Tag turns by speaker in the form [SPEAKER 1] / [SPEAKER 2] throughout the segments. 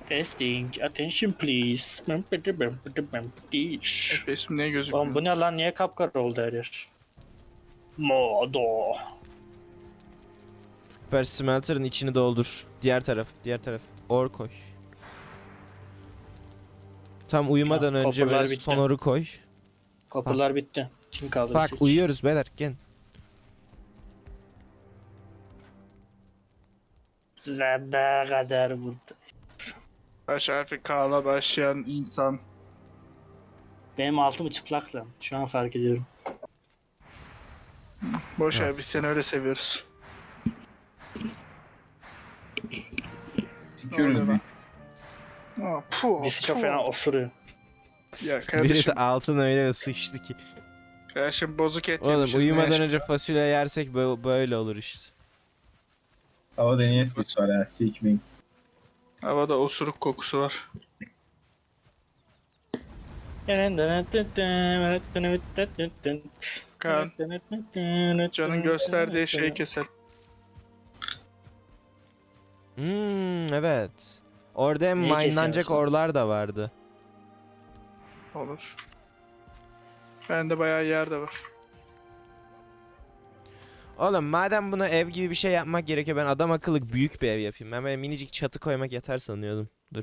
[SPEAKER 1] Testing. Attention please.
[SPEAKER 2] FPS'im niye gözükmüyor?
[SPEAKER 1] Oğlum bu ne lan? Niye kapkara oldu her yer? Modo.
[SPEAKER 3] Süper smelter'ın içini doldur. Diğer taraf, diğer taraf. Or koy. Tam uyumadan
[SPEAKER 1] Tamam,
[SPEAKER 3] önce
[SPEAKER 1] copper'lar
[SPEAKER 3] böyle
[SPEAKER 1] bitti.
[SPEAKER 3] sonoru koy.
[SPEAKER 1] Kapılar bitti. Kim kaldı?
[SPEAKER 3] Bak
[SPEAKER 1] Seç.
[SPEAKER 3] uyuyoruz beyler gel.
[SPEAKER 1] Size ne kadar vurdu.
[SPEAKER 2] Baş harfi K'la başlayan insan.
[SPEAKER 1] Benim altım çıplak lan. Şu an fark ediyorum.
[SPEAKER 2] Boş ver, biz seni öyle seviyoruz.
[SPEAKER 4] Tükürüz bir.
[SPEAKER 1] Birisi çok fena osuruyor.
[SPEAKER 2] Ya
[SPEAKER 3] Birisi
[SPEAKER 2] kardeşim,
[SPEAKER 3] altın öyle sıçtı ki.
[SPEAKER 2] kardeşim bozuk et
[SPEAKER 3] Oğlum
[SPEAKER 2] yemişiz, ne
[SPEAKER 3] uyumadan
[SPEAKER 2] yaşa-
[SPEAKER 3] önce fasulye yersek böyle olur işte.
[SPEAKER 4] Hava deneye sis var ha. Sikmeyeyim.
[SPEAKER 2] Havada osuruk kokusu var. Kaan, Can'ın gösterdiği şeyi keselim.
[SPEAKER 3] Evet. Orada hem
[SPEAKER 1] Neyi
[SPEAKER 3] minelanacak
[SPEAKER 1] kesiyorsun?
[SPEAKER 3] orlar da vardı.
[SPEAKER 2] Olur. Bende bayağı yer de var.
[SPEAKER 3] Oğlum madem buna ev gibi bir şey yapmak gerekiyor ben adam akıllı büyük bir ev yapayım. Ben böyle minicik çatı koymak yeter sanıyordum. Dur.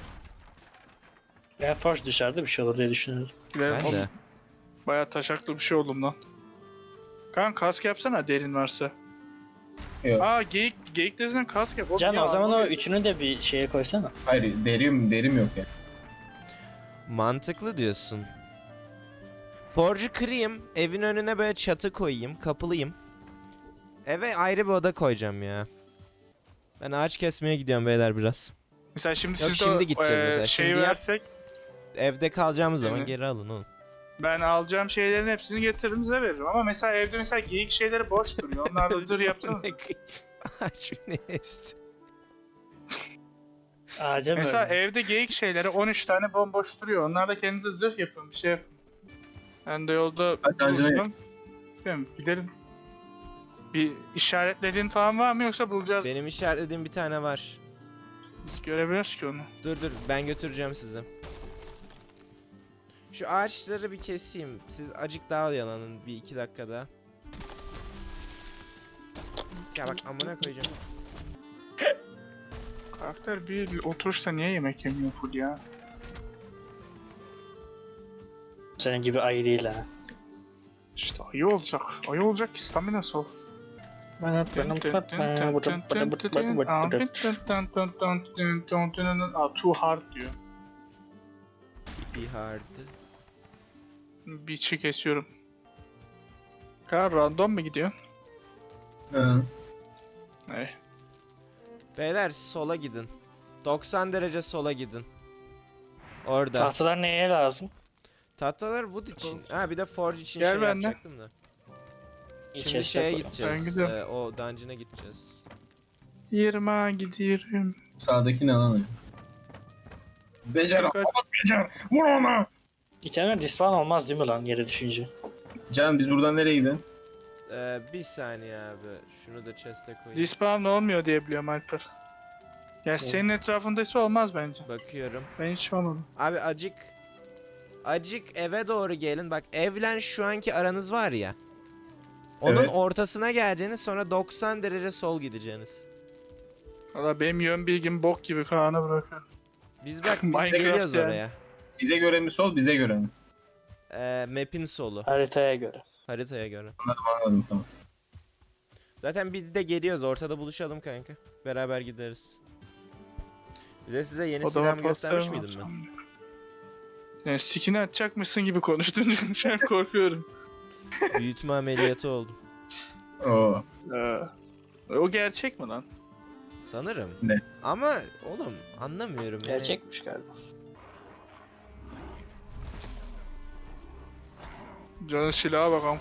[SPEAKER 1] Ben force dışarıda bir şey olur diye düşünüyorum.
[SPEAKER 2] Gidelim.
[SPEAKER 3] Ben de.
[SPEAKER 2] Oğlum, bayağı taşaklı bir şey oldum lan. Kaan kask yapsana derin varsa.
[SPEAKER 4] Yok.
[SPEAKER 2] Aa geyik derinden kask yap. Oğlum,
[SPEAKER 1] Can
[SPEAKER 2] ya,
[SPEAKER 1] o zaman o
[SPEAKER 2] armor-
[SPEAKER 1] üçünü de bir şeye koysana.
[SPEAKER 4] Hayır derim yok ya.
[SPEAKER 3] Mantıklı diyorsun. Forge'u kırayım. Evin önüne böyle çatı koyayım. Kapılıyım. Eve ayrı bir oda koyacağım ya. Ben ağaç kesmeye gidiyorum beyler biraz.
[SPEAKER 2] Mesela şimdi
[SPEAKER 3] Yok,
[SPEAKER 2] siz
[SPEAKER 3] şimdi
[SPEAKER 2] de
[SPEAKER 3] gideceğiz mesela.
[SPEAKER 2] şeyi
[SPEAKER 3] Şimdi yap.
[SPEAKER 2] versek
[SPEAKER 3] Evde kalacağımız zaman
[SPEAKER 2] Evet.
[SPEAKER 3] geri alın oğlum.
[SPEAKER 2] ben alacağım şeylerin hepsini getiririm size veririm. Ama mesela evde mesela geyik şeyleri boş duruyor. Onlar da zırh yapsanız.
[SPEAKER 3] Ağaç beni esti.
[SPEAKER 1] Ağaca mı
[SPEAKER 2] Mesela
[SPEAKER 1] öldü?
[SPEAKER 2] evde geyik şeyleri 13 tane bomboş duruyor. Onlar da kendinize zırh yapın, bir şey yapın. Ben de yolda
[SPEAKER 4] Hadi acele et.
[SPEAKER 2] bulursam gidelim. Bir işaretlediğin falan var mı yoksa bulacağız?
[SPEAKER 3] Benim işaretlediğim bir tane var.
[SPEAKER 2] Biz göremiyoruz ki onu.
[SPEAKER 3] Dur ben götüreceğim sizi. Şu ağaçları bir keseyim. Siz acık daha yalanın bir iki dakikada. Ya bak amına koyacağım.
[SPEAKER 2] Karakter bir oturuşta niye yemek yemiyor full ya?
[SPEAKER 1] Senin gibi ayı değil ha.
[SPEAKER 2] İşte ayı olacak. Ayı olacak ki staminası ol. Aa, too hard diyor.
[SPEAKER 3] Bir hard.
[SPEAKER 2] Beach'i kesiyorum. Kaan random mu gidiyor?
[SPEAKER 4] Hı.
[SPEAKER 2] Evet.
[SPEAKER 3] Beyler sola gidin. 90 derece sola gidin. Orada.
[SPEAKER 1] Tahtalar neye lazım?
[SPEAKER 3] Tahtalar wood için. Ha bir de forge için
[SPEAKER 2] Gel
[SPEAKER 3] şey
[SPEAKER 2] benimle.
[SPEAKER 3] yapacaktım da. Şimdi
[SPEAKER 1] İçerisine
[SPEAKER 3] şeye
[SPEAKER 1] koy.
[SPEAKER 2] Ben
[SPEAKER 3] gideceğiz.
[SPEAKER 2] gidiyorum.
[SPEAKER 3] O dungeon'a gideceğiz.
[SPEAKER 2] 20'a gidiyorum.
[SPEAKER 4] Sağdaki ne lan? Becer
[SPEAKER 2] Dikkat.
[SPEAKER 4] ama becer. Vur ona.
[SPEAKER 1] İtemler respawn olmaz değil mi lan yere düşünce?
[SPEAKER 4] Can biz buradan nereye gidelim?
[SPEAKER 3] Bir saniye abi. Şunu da chest'e koyayım.
[SPEAKER 2] Respawn olmuyor diye biliyorum Alper. Ya senin etrafındaysa olmaz bence.
[SPEAKER 3] Bakıyorum.
[SPEAKER 2] Ben hiç olmadım.
[SPEAKER 3] Abi acık eve doğru gelin. Bak evlen şu anki aranız var ya. Onun
[SPEAKER 4] Evet.
[SPEAKER 3] ortasına geleceğiniz sonra 90 derece sol gideceğiniz.
[SPEAKER 2] Valla benim yön bilgim bok gibi Kaan'a bırakıyorum.
[SPEAKER 3] Biz bak biz
[SPEAKER 2] Minecraft
[SPEAKER 3] geliyoruz
[SPEAKER 2] yani.
[SPEAKER 3] oraya.
[SPEAKER 4] Bize göre mi sol bize göre mi?
[SPEAKER 3] Map'in solu.
[SPEAKER 1] Haritaya göre.
[SPEAKER 3] Haritaya göre.
[SPEAKER 4] Anladım tamam.
[SPEAKER 3] Zaten biz de geliyoruz. Ortada buluşalım kanka. Beraber gideriz. Bize size yeni silahımı göstermiş miydim ben?
[SPEAKER 2] Yani skin'i atacakmışsın gibi konuştun. Şu an korkuyorum.
[SPEAKER 3] Büyütme ameliyatı oldum.
[SPEAKER 4] Oo.
[SPEAKER 2] O gerçek mi lan?
[SPEAKER 3] Sanırım.
[SPEAKER 4] Ne?
[SPEAKER 3] Ama oğlum anlamıyorum yani.
[SPEAKER 1] Gerçekmiş galiba.
[SPEAKER 2] Canın silaha bakalım.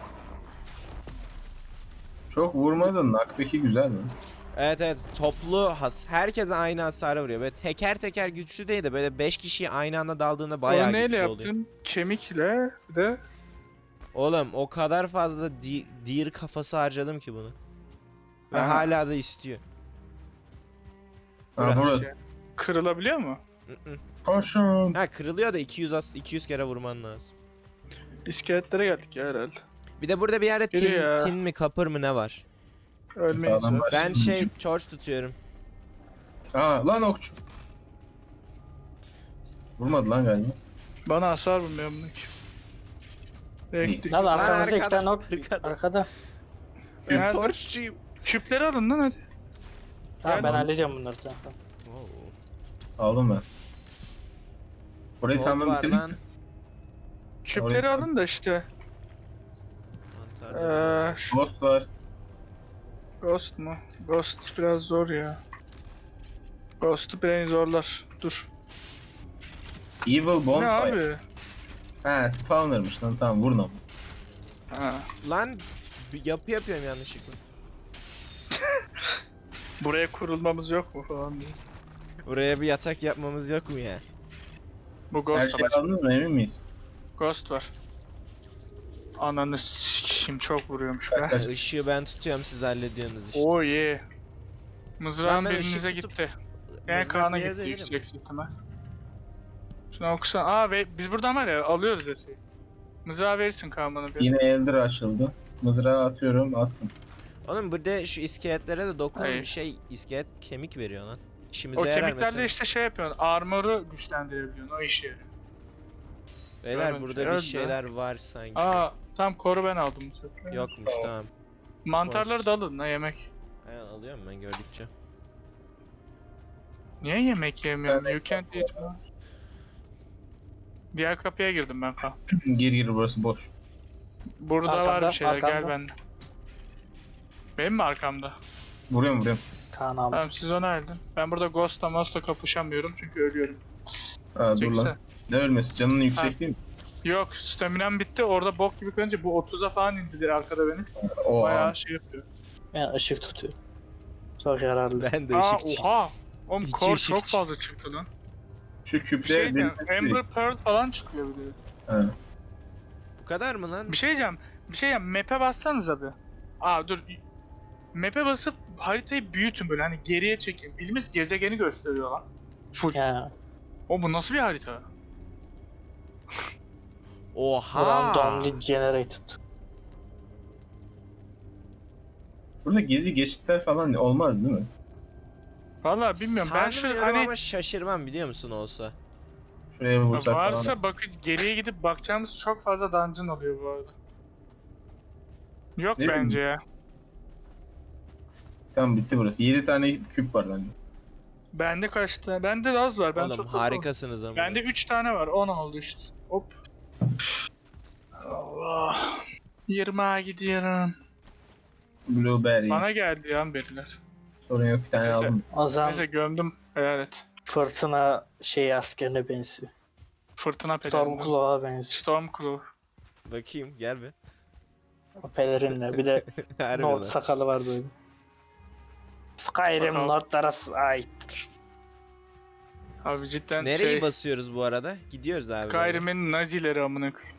[SPEAKER 4] Çok vurmadın. Nakbeki güzel mi?
[SPEAKER 3] Evet toplu herkese aynı hasarı vuruyor. Böyle teker teker güçlü değil de böyle 5 kişiyi aynı anda daldığında bayağı
[SPEAKER 2] Onu neyle
[SPEAKER 3] güçlü
[SPEAKER 2] yaptın?
[SPEAKER 3] oluyor.
[SPEAKER 2] Kemikle bir de
[SPEAKER 3] Oğlum o kadar fazla deer kafası harcadım ki bunu. Ve
[SPEAKER 2] Aha.
[SPEAKER 3] hala da istiyor.
[SPEAKER 4] Ha, burası.
[SPEAKER 2] kırılabiliyor mu?
[SPEAKER 3] Hı-hı.
[SPEAKER 4] Koşun.
[SPEAKER 3] Ha kırılıyor da 200 kere vurman lazım.
[SPEAKER 2] İskeletlere geldik ya herhalde.
[SPEAKER 3] Bir de burada bir yerde
[SPEAKER 2] Yürü
[SPEAKER 3] tin,
[SPEAKER 2] ya.
[SPEAKER 3] tin mi kapır mı ne var?
[SPEAKER 2] Ölmeyiz
[SPEAKER 4] Sağdan
[SPEAKER 2] zaten.
[SPEAKER 3] Ben şey torch tutuyorum.
[SPEAKER 4] Aa lan okçu. Vurmadı lan galiba.
[SPEAKER 2] Bana hasar vurmuyor bunu ki. Bekle.
[SPEAKER 5] Lan arkamızda iki
[SPEAKER 3] arkada,
[SPEAKER 5] tane ok.
[SPEAKER 3] arkada.
[SPEAKER 5] Arkada.
[SPEAKER 2] Nerede?
[SPEAKER 3] Torchçuyum.
[SPEAKER 2] Küpleri alın lan hadi.
[SPEAKER 5] Tamam ben
[SPEAKER 2] Gel.
[SPEAKER 5] halledeceğim bunları tamam.
[SPEAKER 4] Aldım ben. Burayı
[SPEAKER 3] Gold
[SPEAKER 4] tamamen
[SPEAKER 3] var
[SPEAKER 4] bitirdik
[SPEAKER 3] lan.
[SPEAKER 4] mi?
[SPEAKER 2] Küpleri alın da işte.
[SPEAKER 3] Mantar.
[SPEAKER 2] Şu
[SPEAKER 4] Ghost var.
[SPEAKER 2] Ghost mu? Ghost biraz zor ya. Ghost'u beni zorlar. Dur.
[SPEAKER 4] Evil
[SPEAKER 2] Ne
[SPEAKER 4] Bonfire.
[SPEAKER 2] abi?
[SPEAKER 4] Ha spawner'mış lan tamam vurun ama.
[SPEAKER 2] Ha.
[SPEAKER 3] Lan bir yapı yapıyorum yanlışlıkla.
[SPEAKER 2] Buraya kurulmamız yok mu falan diye.
[SPEAKER 3] Buraya bir yatak yapmamız yok mu ya?
[SPEAKER 2] Bu
[SPEAKER 4] Her
[SPEAKER 2] Ghost
[SPEAKER 4] şeyi
[SPEAKER 2] var.
[SPEAKER 4] aldınız mı emin miyiz?
[SPEAKER 2] Ghost var. Ananı s**eyim çok vuruyormuş be.
[SPEAKER 4] Kaç-
[SPEAKER 3] Işığı ben tutuyorum siz hallediyorsunuz işte.
[SPEAKER 2] Oh yeah. Mızrağın
[SPEAKER 3] Lan ben
[SPEAKER 2] birinize
[SPEAKER 3] ışık tutup-
[SPEAKER 2] gitti. En
[SPEAKER 3] Mızrak
[SPEAKER 2] Kaan'a
[SPEAKER 3] bir yerde
[SPEAKER 2] gitti
[SPEAKER 3] değilim.
[SPEAKER 2] yüksek ihtimal. Şunu okusan. Aa ve biz buradan var ya alıyoruz eseyi. Mızrağı verirsin Kaan bana bir.
[SPEAKER 4] Yine Elder açıldı. Mızrağı atıyorum attım.
[SPEAKER 3] Oğlum burada şu iskeletlere de dokunun
[SPEAKER 2] Hayır.
[SPEAKER 3] bir şey iskelet kemik veriyor lan. İşimize
[SPEAKER 2] O
[SPEAKER 3] yarar
[SPEAKER 2] kemiklerle
[SPEAKER 3] mesela.
[SPEAKER 2] işte şey yapıyorsun. Armoru güçlendirebiliyorsun. O işe yarıyor.
[SPEAKER 3] Beyler
[SPEAKER 2] Öyle
[SPEAKER 3] burada
[SPEAKER 2] şey
[SPEAKER 3] bir
[SPEAKER 2] öldü.
[SPEAKER 3] şeyler var sanki.
[SPEAKER 2] Aa tam koru ben aldım bu sefer.
[SPEAKER 3] Yokmuş tamam.
[SPEAKER 2] Mantarları da alın la yemek.
[SPEAKER 3] Aynen alıyorum ben gördükçe.
[SPEAKER 2] Niye yemek yemiyorum?
[SPEAKER 4] Ben-
[SPEAKER 2] You can't eat man. Diğer kapıya girdim ben Kaan.
[SPEAKER 4] Gir burası boş.
[SPEAKER 2] Burada var
[SPEAKER 5] Arkamda,
[SPEAKER 2] bir şeyler gel
[SPEAKER 5] arkamda.
[SPEAKER 2] bende. Benim mi arkamda?
[SPEAKER 4] Vuruyorum.
[SPEAKER 5] Kaan aldı.
[SPEAKER 2] Tamam siz onu aldın. Ben burada Ghost'la Most'la kapışamıyorum çünkü ölüyorum.
[SPEAKER 4] Aa dur
[SPEAKER 2] Çekse.
[SPEAKER 4] lan. Ne ölmesi canının yüksek değil mi?
[SPEAKER 2] Yok staminam bitti orada bok gibi kalınca bu 30'a falan indiler arkada benim.
[SPEAKER 4] O
[SPEAKER 2] Bayağı şey yapıyor.
[SPEAKER 5] Ben ışık tutuyorum. Çok yararlı.
[SPEAKER 3] Ben de
[SPEAKER 2] Aa
[SPEAKER 3] ışıkçı.
[SPEAKER 2] oha! Oğlum
[SPEAKER 3] İçi
[SPEAKER 2] core
[SPEAKER 3] ışıkçı.
[SPEAKER 2] çok fazla çıktı lan.
[SPEAKER 4] Şu
[SPEAKER 2] Bir
[SPEAKER 4] küple
[SPEAKER 2] şey diyeceğim, Amber Pearl falan çıkıyor bir de.
[SPEAKER 4] Ha.
[SPEAKER 3] Bu kadar mı lan?
[SPEAKER 2] Bir şey diyeceğim, map'e bassanız abi. Aa dur. Map'e basıp haritayı büyütün böyle hani geriye çekin. Bildiğimiz gezegeni gösteriyor lan. Full.
[SPEAKER 5] Ya.
[SPEAKER 2] O bu nasıl bir harita?
[SPEAKER 3] Oha.
[SPEAKER 5] Randomly generated.
[SPEAKER 4] Burada gezi geçitler falan olmaz değil mi?
[SPEAKER 2] Vallahi bilmiyorum ben şu
[SPEAKER 3] Sanmıyorum
[SPEAKER 2] hani
[SPEAKER 3] ama şaşırmam biliyor musun olsa.
[SPEAKER 4] Şuraya bir vursak falan.
[SPEAKER 2] varsa bakın geriye gidip bakacağımız çok fazla dungeon oluyor bu arada. Yok
[SPEAKER 4] Ne
[SPEAKER 2] bence ya.
[SPEAKER 4] Tamam bitti burası. 7 tane küp var bende.
[SPEAKER 2] Bende kaç tane? Bende az var. Ben
[SPEAKER 3] Oğlum
[SPEAKER 2] çok
[SPEAKER 3] harikasınız ama.
[SPEAKER 2] Bende 3 tane var. 10 oldu işte. Hop. Allah. 20'a gidiyorum.
[SPEAKER 4] Blueberry.
[SPEAKER 2] Bana geldi ya beriler.
[SPEAKER 4] Sorun yok bir tane
[SPEAKER 2] Neyse.
[SPEAKER 4] aldım.
[SPEAKER 5] O zaman
[SPEAKER 2] Neyse gömdüm. Helal et.
[SPEAKER 5] fırtına askerine benziyor.
[SPEAKER 2] Fırtına pelerini.
[SPEAKER 5] Stormclaw'a benziyor.
[SPEAKER 2] Stormclaw.
[SPEAKER 3] Bakayım gel be.
[SPEAKER 5] O pelerinle. Bir de
[SPEAKER 3] Harbi
[SPEAKER 5] Nord
[SPEAKER 3] lan.
[SPEAKER 5] sakalı var böyle. Skyrim
[SPEAKER 2] Sakal.
[SPEAKER 5] Nordlara ait.
[SPEAKER 2] Abi cidden
[SPEAKER 3] Nereyi
[SPEAKER 2] şey.
[SPEAKER 3] basıyoruz bu arada? Gidiyoruz abi.
[SPEAKER 2] Skyrim'in nazileri amına koyayım.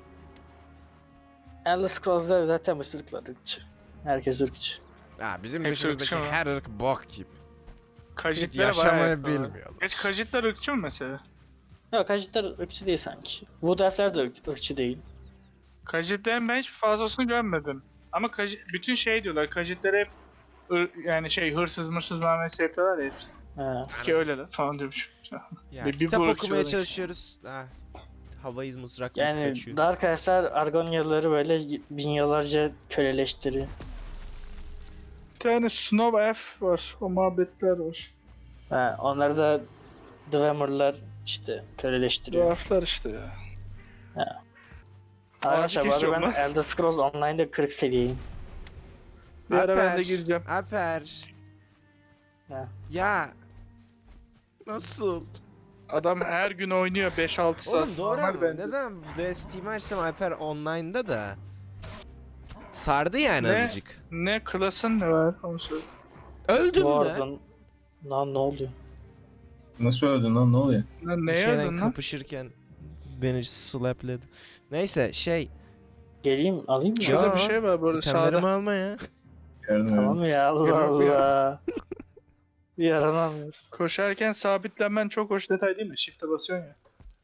[SPEAKER 5] Elder Scrolls'da zaten bu ırklar ırkçı. Herkes ırkçı.
[SPEAKER 3] Ha, bizim
[SPEAKER 2] Hepsi
[SPEAKER 3] dışımızdaki
[SPEAKER 2] ırkçı mı?
[SPEAKER 3] her ırk bok gibi.
[SPEAKER 2] Kajitlere
[SPEAKER 3] Yaşamayı
[SPEAKER 2] bayağı yakınlar.
[SPEAKER 3] bilmiyorlar.
[SPEAKER 2] Geç kajitler ırkçı mı mesela?
[SPEAKER 5] Yok Kajitler ırkçı değil sanki. Wood Elf'ler de ırkçı değil.
[SPEAKER 2] Kajitlerin ben hiç fazlasını görmedim. Ama bütün şey diyorlar. Kajitlere hep yani şey hırsız mırsız muamelesi yapıyorlar ya.
[SPEAKER 5] Ha.
[SPEAKER 2] Ki öyleler falan diyormuş.
[SPEAKER 3] Ya,
[SPEAKER 2] Bir
[SPEAKER 3] kitap
[SPEAKER 2] bu ırkçı
[SPEAKER 3] okumaya
[SPEAKER 2] ırkçı.
[SPEAKER 3] çalışıyoruz. Ha, havayız mızrakla
[SPEAKER 5] Yani
[SPEAKER 3] kaçıyor.
[SPEAKER 5] Dark Elf'ler Argonyalıları böyle bin yıllarca köleleştiriyor.
[SPEAKER 2] Bir tane Snow Elf var. O muhabbetler var.
[SPEAKER 5] Ha, onları da Dwemer'lar işte köleleştiriyor.
[SPEAKER 2] Dwarflar işte ya.
[SPEAKER 5] Arkadaşlar bu
[SPEAKER 2] kesiyor
[SPEAKER 5] arada ben
[SPEAKER 2] lan.
[SPEAKER 5] Elder Scrolls Online'da 40 seviyeyim.
[SPEAKER 2] Bir ara ben de
[SPEAKER 3] Alper,
[SPEAKER 2] gireceğim.
[SPEAKER 3] Alper.
[SPEAKER 5] Ha.
[SPEAKER 3] Ya. Nasıl?
[SPEAKER 2] Adam her gün oynuyor 5-6 saat.
[SPEAKER 3] Oğlum doğru
[SPEAKER 2] Normal
[SPEAKER 3] ama
[SPEAKER 2] bence.
[SPEAKER 3] ne zaman böyle Steam açsam Alper online'da da sardı yani
[SPEAKER 2] Ne?
[SPEAKER 3] azıcık.
[SPEAKER 2] Ne klasın ne var onu söyle.
[SPEAKER 3] Öldüm de.
[SPEAKER 5] Warden. Lan ne oluyor?
[SPEAKER 4] Nasıl öldün lan ne oluyor?
[SPEAKER 2] Lan
[SPEAKER 3] Bir
[SPEAKER 2] neye
[SPEAKER 3] şeyden
[SPEAKER 2] öldün lan?
[SPEAKER 3] kapışırken beni slapledi. Neyse şey.
[SPEAKER 5] Geleyim alayım mı?
[SPEAKER 2] Şurada
[SPEAKER 3] Ya,
[SPEAKER 2] bir şey var burada
[SPEAKER 3] İtemlerimi
[SPEAKER 2] sağda.
[SPEAKER 3] alma ya.
[SPEAKER 4] Gördüm
[SPEAKER 5] Tamam ya Allah
[SPEAKER 2] Yok ya.
[SPEAKER 5] Allah. Yaranamıyoruz.
[SPEAKER 2] Koşarken sabitlenmen çok hoş detay değil mi? Shift'e basıyorsun ya.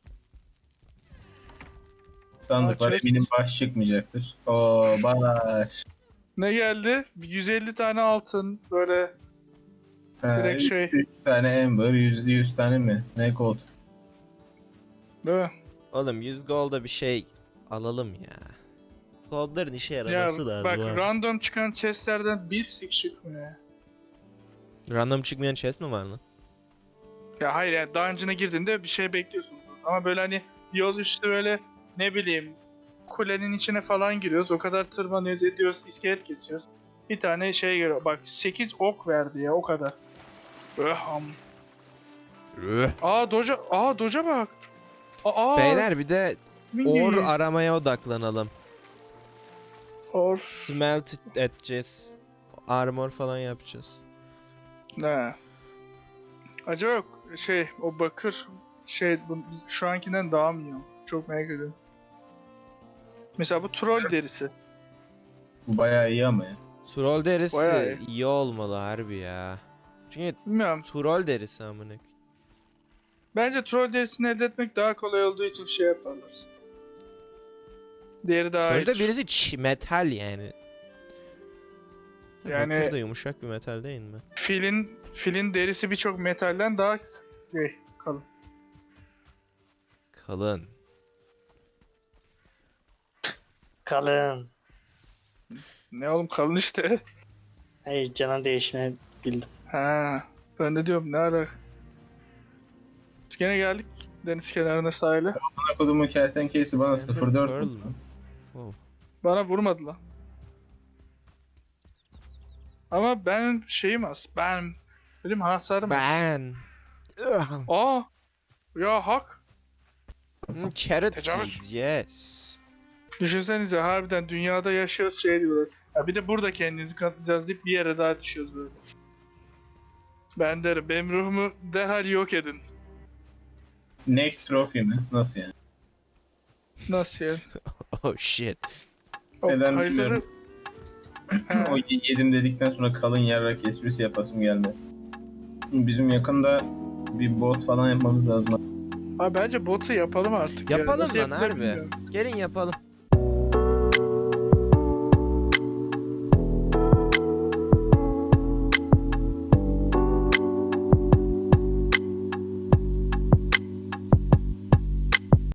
[SPEAKER 4] Sandık var,
[SPEAKER 2] Çek.
[SPEAKER 4] eminim baş çıkmayacaktır. Oo baş.
[SPEAKER 2] Ne geldi? 150 tane altın böyle direkt şey.
[SPEAKER 4] 3 tane Ember, 100 tane mi? Ne gold?
[SPEAKER 2] Değil mi?
[SPEAKER 3] Oğlum 100 gold'a bir şey alalım ya. Gold'ların işe
[SPEAKER 2] Ya
[SPEAKER 3] yaraması lazım
[SPEAKER 2] bak
[SPEAKER 3] abi.
[SPEAKER 2] random çıkan chestlerden bir sik çıkmıyor ya.
[SPEAKER 3] Random çıkmayan chest mi var lan?
[SPEAKER 2] Ya hayır yani dungeon'a girdiğinde bir şey bekliyorsun. Ama böyle hani yol üstü böyle ne bileyim kulenin içine falan giriyoruz. O kadar tırmanıyoruz ediyoruz iskelet kesiyoruz. Bir tane şey geliyor. Bak 8 ok verdi ya o kadar. Öham. Doja bak.
[SPEAKER 3] Beyler bir de
[SPEAKER 2] mini.
[SPEAKER 3] ore aramaya odaklanalım.
[SPEAKER 2] Or.
[SPEAKER 3] Smelt edeceğiz. Armor falan yapacağız.
[SPEAKER 2] Ne? Acaba yok şey o bakır şey biz şu ankinden daha mı iyi? Çok merak ediyorum. Mesela bu troll derisi.
[SPEAKER 4] Bu bayağı iyi ama ya.
[SPEAKER 3] Troll derisi
[SPEAKER 2] Bayağı
[SPEAKER 3] iyi olmalı harbi ya. Çünkü
[SPEAKER 2] Bilmiyorum.
[SPEAKER 3] troll derisi amına koyayım.
[SPEAKER 2] Bence troll derisini elde etmek daha kolay olduğu için şey yaparlar. Diğeri daha
[SPEAKER 3] Sonuçta
[SPEAKER 2] iyidir.
[SPEAKER 3] birisi metal yani.
[SPEAKER 2] Yani-
[SPEAKER 3] Bakır da yumuşak bir metal değil mi?
[SPEAKER 2] Filin derisi birçok metalden daha şey kalın.
[SPEAKER 3] Kalın.
[SPEAKER 5] Kalın.
[SPEAKER 2] Ne oğlum kalın işte.
[SPEAKER 5] Hey canın değişine bildim.
[SPEAKER 2] Ha, ben de diyorum ne ara. Biz gene geldik deniz kenarına sahile.
[SPEAKER 4] Bana kodumun kertenkelesi bana
[SPEAKER 3] Ember
[SPEAKER 4] 0.4
[SPEAKER 3] Pearl
[SPEAKER 4] vurdu.
[SPEAKER 3] mü? Oh.
[SPEAKER 2] Bana vurmadı lan. Ama ben şeyim az. Benim hasarım az.
[SPEAKER 3] Ben.
[SPEAKER 2] Aa! Ya hak.
[SPEAKER 3] Carrot
[SPEAKER 2] Tecavüz.
[SPEAKER 3] seed yes.
[SPEAKER 2] Düşünsenize harbiden dünyada yaşıyoruz şey diyorlar. Ya bir de burada kendinizi katlayacağız deyip bir yere daha düşüyoruz böyle. Ben derim benim ruhumu derhal yok edin.
[SPEAKER 4] Next trophy mi? Nasıl yani?
[SPEAKER 2] Nasıl yani?
[SPEAKER 3] Oh shit.
[SPEAKER 2] O
[SPEAKER 4] Neden
[SPEAKER 2] haritada-
[SPEAKER 4] bilmiyorum.
[SPEAKER 2] Ha,
[SPEAKER 4] O yedim dedikten sonra kalın yarrak esprisi yapasım geldi. Bizim yakında bir bot falan yapmamız lazım.
[SPEAKER 2] Abi bence botu yapalım artık. ya.
[SPEAKER 3] Yapalım
[SPEAKER 2] Nasıl
[SPEAKER 3] lan
[SPEAKER 2] yapılır
[SPEAKER 3] harbi.
[SPEAKER 2] bilmiyorum.
[SPEAKER 3] Gelin yapalım.